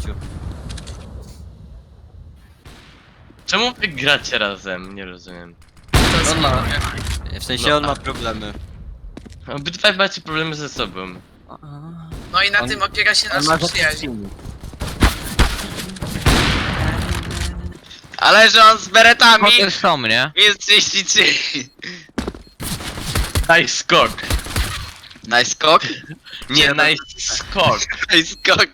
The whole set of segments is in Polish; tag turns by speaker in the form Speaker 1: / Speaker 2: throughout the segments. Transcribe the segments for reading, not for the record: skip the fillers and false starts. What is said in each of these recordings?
Speaker 1: gościu.
Speaker 2: Czemu wy gracie razem? Nie rozumiem.
Speaker 3: To jest
Speaker 1: On ma.
Speaker 3: problem.
Speaker 1: W sensie on ma problemy.
Speaker 2: Obydwaj macie problemy ze sobą.
Speaker 3: No i na
Speaker 1: On-
Speaker 3: tym opiera się
Speaker 1: On ma
Speaker 3: nasza przyjaźń.
Speaker 2: Ale że on z beretami!
Speaker 4: Hotel są, nie?
Speaker 2: Jest 33! Daj skok!
Speaker 5: Nice skok?
Speaker 2: Nie, daj skok!
Speaker 5: Nice skok.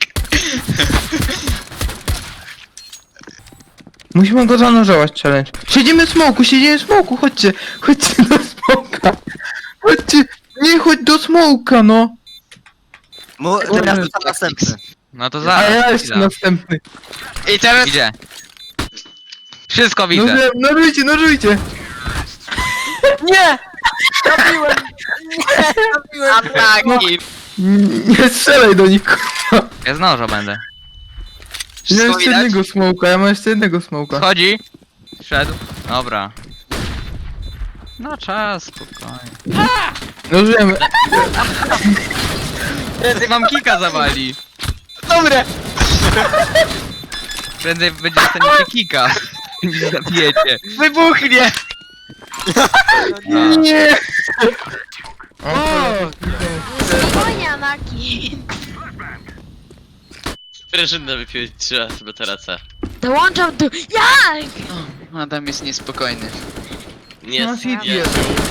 Speaker 6: Musimy go zanurzować, challenge. Siedzimy w smoku, chodźcie. Chodźcie do smoka. Chodźcie. Nie chodź do smoka, no.
Speaker 1: Teraz to są następny.
Speaker 4: No to
Speaker 6: A
Speaker 4: zaraz.
Speaker 6: ja jeszcze
Speaker 4: chwila.
Speaker 6: następny.
Speaker 2: I teraz...
Speaker 4: Idzie. Wszystko widzę.
Speaker 6: Nożujcie.
Speaker 2: Ataki!
Speaker 6: Nie strzelaj do nikogo.
Speaker 4: Ja z noża będę.
Speaker 6: Ja
Speaker 5: Wszystko
Speaker 6: mam jeszcze
Speaker 5: widać?
Speaker 6: jednego smoka, ja mam jeszcze jednego smoka.
Speaker 4: Schodzi. Szedł. Dobra. No czas, spokojnie.
Speaker 6: Nożujemy.
Speaker 4: Prędzej wam kika zawali.
Speaker 2: Dobre!
Speaker 4: Prędzej będzie dostaniecie kika. Niż zabijecie.
Speaker 2: Wybuchnie!
Speaker 4: No.
Speaker 6: Nie.
Speaker 7: Spokojnie, Anaki.
Speaker 2: Sprężynę wypiłeś 3 razy bateraca.
Speaker 7: Dołączam tu. Jak?
Speaker 5: Adam jest niespokojny.
Speaker 2: Nie,
Speaker 6: No,
Speaker 2: nie.
Speaker 6: idiot.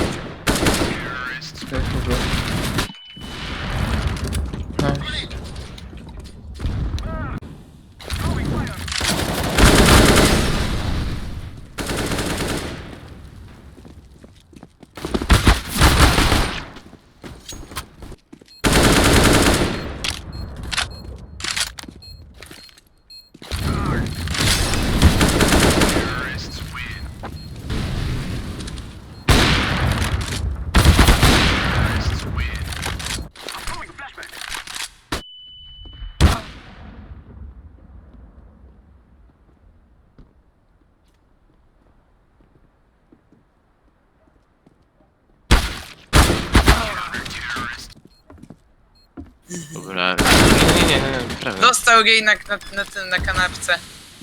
Speaker 2: Dobra. Nie, prawie.
Speaker 3: Dostał jej na kanapce.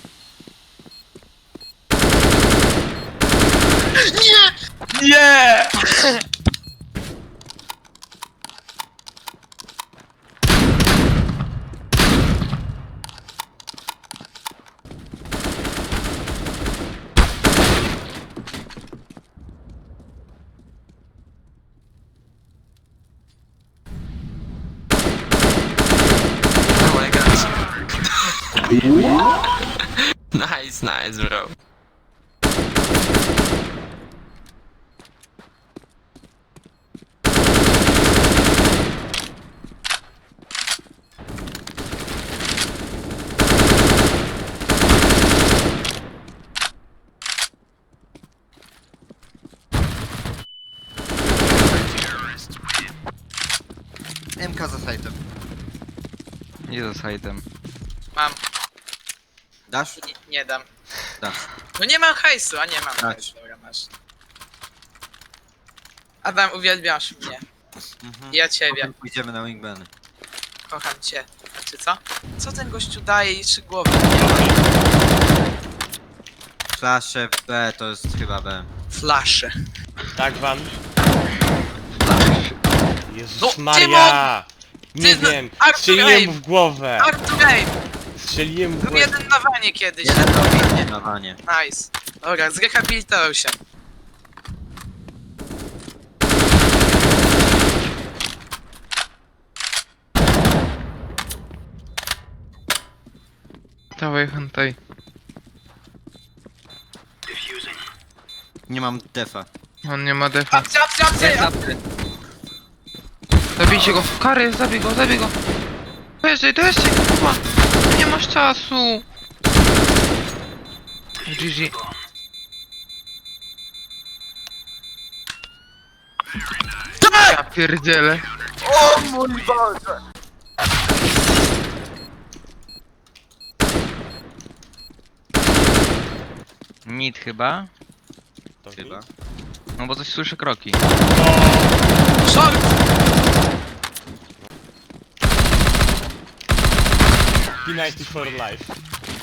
Speaker 2: Nie!
Speaker 5: Nice, nice, bro.
Speaker 1: MK za sajtem.
Speaker 4: Nie za sajtem.
Speaker 3: Mam.
Speaker 1: Dasz?
Speaker 3: Nie dam.
Speaker 1: Dasz.
Speaker 3: No nie mam hajsu, a nie mam
Speaker 1: Tak.
Speaker 3: hajsu. Dobra, masz. Adam, uwielbiasz mnie. Ja ciebie.
Speaker 1: Potem pójdziemy na wingbany.
Speaker 3: Kocham cię. Znaczy co? Co ten gościu daje i 3 głowy?
Speaker 1: Flasze B to jest chyba B.
Speaker 3: Flasze.
Speaker 2: Tak wam? Jezus
Speaker 3: No,
Speaker 2: Maria! Nie
Speaker 3: Ty,
Speaker 2: wiem,
Speaker 3: Arthur
Speaker 2: strzeliłem
Speaker 3: Abe.
Speaker 2: mu w głowę!
Speaker 3: Arthur Abe!
Speaker 2: Strzeliłem mu w
Speaker 3: Był
Speaker 2: głowę.
Speaker 3: jeden na wanie kiedyś.
Speaker 1: Jeden do winnie na wanie.
Speaker 3: Nice. Dobra, zrehabilitował się.
Speaker 6: Dawaj, hentai.
Speaker 1: Nie mam defa.
Speaker 6: On nie ma defa.
Speaker 3: Apsy, apsy, apsy!
Speaker 4: Zapy.
Speaker 6: Zabijcie go. Kary, zabij go. Dojeżdżaj, kurwa. Nie masz czasu. GG. Ja pierdzielę.
Speaker 4: Mid chyba.
Speaker 1: Chyba.
Speaker 4: No bo coś słyszę kroki.
Speaker 3: Short!
Speaker 8: P90 for life.